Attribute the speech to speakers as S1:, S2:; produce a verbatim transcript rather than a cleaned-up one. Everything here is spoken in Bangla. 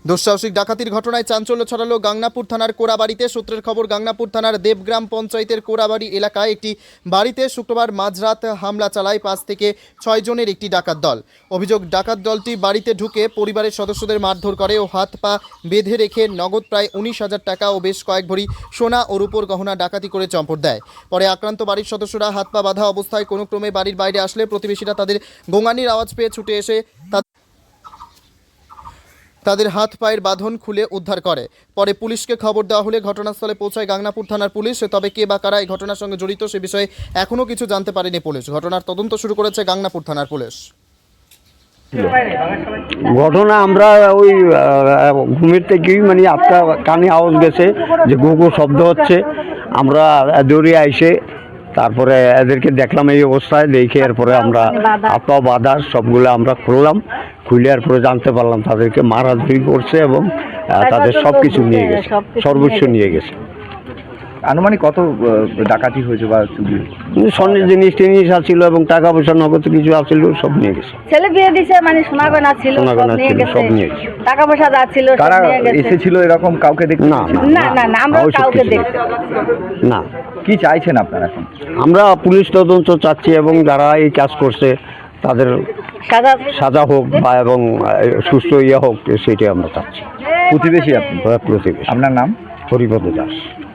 S1: দুঃসাহসিক ডাকাতির ঘটনায় চাঞ্চল্য ছড়ালো গাংনাপুর থানার কোরাবাড়িতে। সূত্রের খবর, গাংনাপুর থানার দেবগ্রাম পঞ্চায়েতের কোরাবাড়ি এলাকায় একটি বাড়িতে শুক্রবার মাঝরাত হামলা চালায় পাঁচ থেকে ছয় জনের একটি ডাকাত দল। অভিযোগ, ডাকাত দলটি বাড়িতে ঢুকে পরিবারের সদস্যদের মারধর করে ও হাত পা বেঁধে রেখে নগদ প্রায় উনিশ হাজার টাকা ও বেশ কয়েক ভরি সোনা ও রূপোর গহনা ডাকাতি করে চম্পট দেয়। পরে আক্রান্ত বাড়ির সদস্যরা হাত পা বাঁধা অবস্থায় কোনো ক্রমে বাড়ির বাইরে আসলে প্রতিবেশীরা তাদের গোঙানির আওয়াজ পেয়ে ছুটে এসে তাদের হাত পায়ের বাঁধন খুলে উদ্ধার করে। পরে পুলিশকে খবর দেওয়া হলে ঘটনাস্থলে পৌঁছায় গাংনাপুর থানার পুলিশ। তবে কে বা কারা এই ঘটনার সঙ্গে জড়িত সে বিষয়ে এখনও কিছু জানতে পারেনি পুলিশ। ঘটনার তদন্ত শুরু করেছে গাংনাপুর থানার পুলিশ।
S2: ঘটনা আমরা ওই ঘুমের থেকেই মানে আটটা কানে আওয়াজ গেছে যে গো গো শব্দ হচ্ছে। আমরা দৌড়ে আইসে তারপরে এদেরকে দেখলাম এই অবস্থায়, দেখে এরপরে আমরা আপা বাধা সবগুলো আমরা খুললাম। খুলে এরপরে জানতে পারলাম তাদেরকে মারাধরি করছে এবং তাদের সব কিছু নিয়ে গেছে, সর্বোচ্চ নিয়ে গেছে।
S3: আনুমানিক কত ডাকাতি হয়েছে বা চুরি?
S2: স্বর্ণের জিনিস টিনিস আছিল এবং টাকা পয়সা নগদ কিছু আছিল, সব নিয়ে গেছে।
S4: ছেলে বিয়ে দিছে, মানে সোনা গয়না ছিল,
S2: সোনা গয়না ছিল, সব নিয়ে গেছে।
S4: টাকা পয়সা যা ছিল
S3: কারা এসেছিল এরকম কাউকে দেখতে?
S2: না
S4: না না না, আমরা কাউকে দেখতে
S2: না।
S3: কি চাইছেন আপনারা এখন?
S2: আমরা পুলিশ তদন্ত চাচ্ছি এবং যারা এই কাজ করছে তাদের
S4: সাজা
S2: সাজা হোক বা এবং সুস্থ ইয়ে হোক, সেটাই আমরা চাচ্ছি।
S3: প্রতিবেশী আপনি?
S2: প্রতিবেশী।
S3: আপনার নাম?
S2: হরিপদ দাস।